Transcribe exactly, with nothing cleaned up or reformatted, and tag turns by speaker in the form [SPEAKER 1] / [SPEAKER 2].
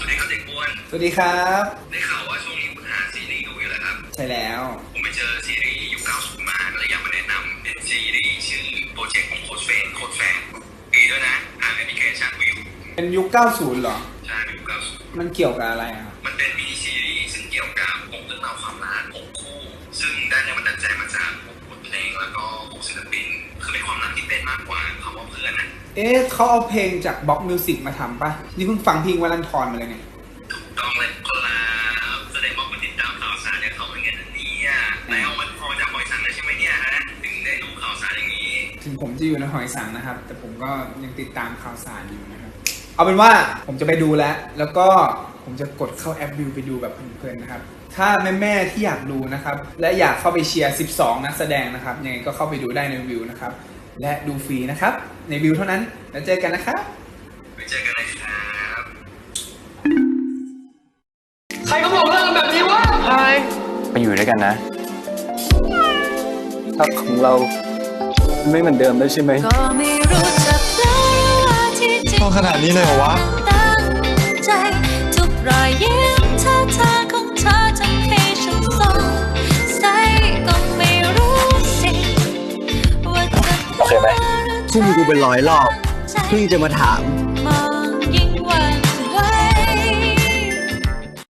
[SPEAKER 1] วัสดีครับเด็กอ้วน
[SPEAKER 2] สวัสดีครับ
[SPEAKER 1] ได้ข่าวว่าช่วงนี้คุณหาซีรีส์ดูอยู่เหรอครับ
[SPEAKER 2] ใช่แล้ว
[SPEAKER 1] ผมไปเจอซีรีส์ยุคเก้าสิบมาก็เลยอยากมาแนะนำเป็นซีรีส์ชื่อโปรเจกต์ของโค้ชเฟนโค้ชแฟนดีด้วยนะทางแอปพลิเคชันวิว
[SPEAKER 2] เป็นยุคเก้าสิบเหรอ
[SPEAKER 1] ใช่ยุคเก้าสิบ
[SPEAKER 2] มันเกี่ยวกับอะไรอ่ะ
[SPEAKER 1] มันเป็นมินิซีรีส์ซึ่งเกี่ยวกับหกเรื่องราวความรักหกคู่ซึ่งได้แรงบันดาลใจมาจากหกบทเพลงแล้วก็หกศิลปินคือเป็นความรักที่เป็นมากกว่าคำว่าเพื่อนนะ
[SPEAKER 2] เอ๊ะเขาเอาเพลงจากบล็อกมิวสิกมาทำปะนี่เพิ่งฟังเพลงวลันทรมาเลยเนี่ย
[SPEAKER 1] ถูกต้องเลยคนละแสดงว่าคนติดตามข่าวสารเนี่ยเขาเป็นเงี้ยนี่อ่ะไหนเอามันพอจะคอยสั่งได้ใช่ไหมเนี่ยฮะถึงได้รู้ข่าวสารอย่างนี้
[SPEAKER 2] ถึงผมจะอยู่ในหอยสังนะครับแต่ผมก็ยังติดตามข่าวสารอยู่นะครับเอาเป็นว่าผมจะไปดูแล้วแล้วก็ผมจะกดเข้าแอปวิวไปดูแบบเพลินๆนะครับถ้าแม่ๆที่อยากดูนะครับและอยากเข้าไปเชียร์สิบสองนักแสดงนะครับยังไงก็เข้าไปดูได้ในวิวนะครับและดูฟรีนะครับในวิวเท่านั้นแล้วเจอกันนะครับ
[SPEAKER 1] ไปเจอกันนะครับ
[SPEAKER 3] ใครเขาบอกเลิกกันแบบนี้วะใคร
[SPEAKER 4] ไปอยู่ด้วยกันนะถ้าของเราไม่เหมือนเดิมได้ใช่ไหม
[SPEAKER 3] ต้องขนาดนี้เลยเหรอวะ
[SPEAKER 5] ใจทุกรอยยิ้มท่าทางของเธอทำให้ฉันสงสัยก็ไม่รู้สิว่าจะ
[SPEAKER 4] โอเคไหม
[SPEAKER 3] ทุ่มกูเป็นร้อยรอบเพิ่งจะมาถาม